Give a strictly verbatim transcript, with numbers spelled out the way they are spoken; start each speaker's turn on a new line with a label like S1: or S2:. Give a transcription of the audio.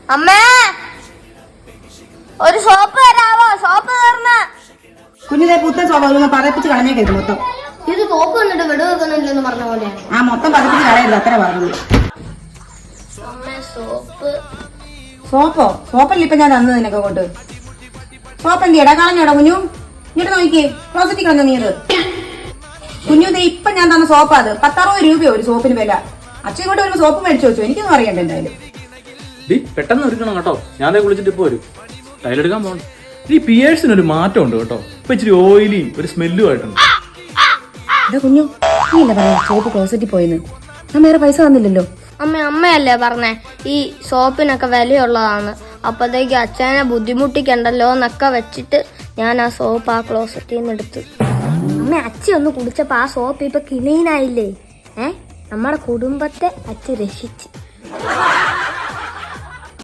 S1: അമ്മേ ഒരു സോപ്പ് തരാവോ? സോപ്പ് തീർന്ന്.
S2: കുഞ്ഞിലെ പുത്തൻ സോപ്പ് പതപ്പിച്ച് കളഞ്ഞേക്കരുത് മൊത്തം.
S1: ഇത് സോപ്പ് കണ്ടിട്ട് വെടു വെക്കുന്നില്ലെന്ന് പറഞ്ഞ പോലെയാണ്.
S2: ആ മൊത്തം പതപ്പിച്ച് കളയരുത്, അത്ര പറഞ്ഞു.
S1: സോപ്പ്
S2: സോപ്പോ? സോപ്പല്ലേ ഇപ്പൊ ഞാൻ തന്നത് നിനക്ക് കൊണ്ട്. സോപ്പ് എന്തിയടാ? കളഞ്ഞോടാ കുഞ്ഞു? ഇങ്ങോട്ട് നോക്കിയേ, ക്ലോസറ്റിൽ കളഞ്ഞോ നീ? അത് കുഞ്ഞു ദേ ഇപ്പൊ ഞാൻ തന്ന സോപ്പാ. അത് പത്തറുപത് രൂപയോ ഒരു സോപ്പിന് വില. അച്ഛൻ കൊണ്ട് വരുമ്പോ സോപ്പ് മേടിച്ചു വെച്ചു. എനിക്കൊന്നും അറിയണ്ട എന്തായാലും.
S3: പെട്ടെന്ന് ഒരുക്കണം കേട്ടോ, ഞാനേ കുളിച്ചിട്ട് ഇപ്പൊ വരും. ടൈലെടുക്കാൻ പോകണം. ഈ പിയേഴ്സിന് ഒരു മാറ്റം ഉണ്ട് കേട്ടോ. ഇപ്പൊ ഇച്ചിരി ഓയിലിയും ഒരു സ്മെല്ലും ആയിട്ടുണ്ട്.
S2: കുഞ്ഞു നീ ഇല്ല പറയാ സോപ്പ് ക്ലോസറ്റിൽ പോയെന്ന്. ഞാൻ വേറെ പൈസ തന്നില്ലല്ലോ.
S1: അമ്മ അമ്മയല്ലേ പറഞ്ഞേ ഈ സോപ്പിനൊക്കെ വിലയുള്ളതാണ്, അപ്പത്തേക്ക് അച്ഛനെ ബുദ്ധിമുട്ടിക്കണ്ടല്ലോ എന്നൊക്കെ വെച്ചിട്ട് ഞാൻ ആ സോപ്പ് ആ ക്ലോസറ്റിൽ നിന്ന് എടുത്തു. അമ്മ അച്ഛൻ ഒന്ന് കുടിച്ചപ്പോ ആ സോപ്പ് ഇപ്പൊ ക്ലീൻ ആയില്ലേ? ഏ നമ്മുടെ കുടുംബത്തെ അച്ഛൻ രക്ഷിച്ച്.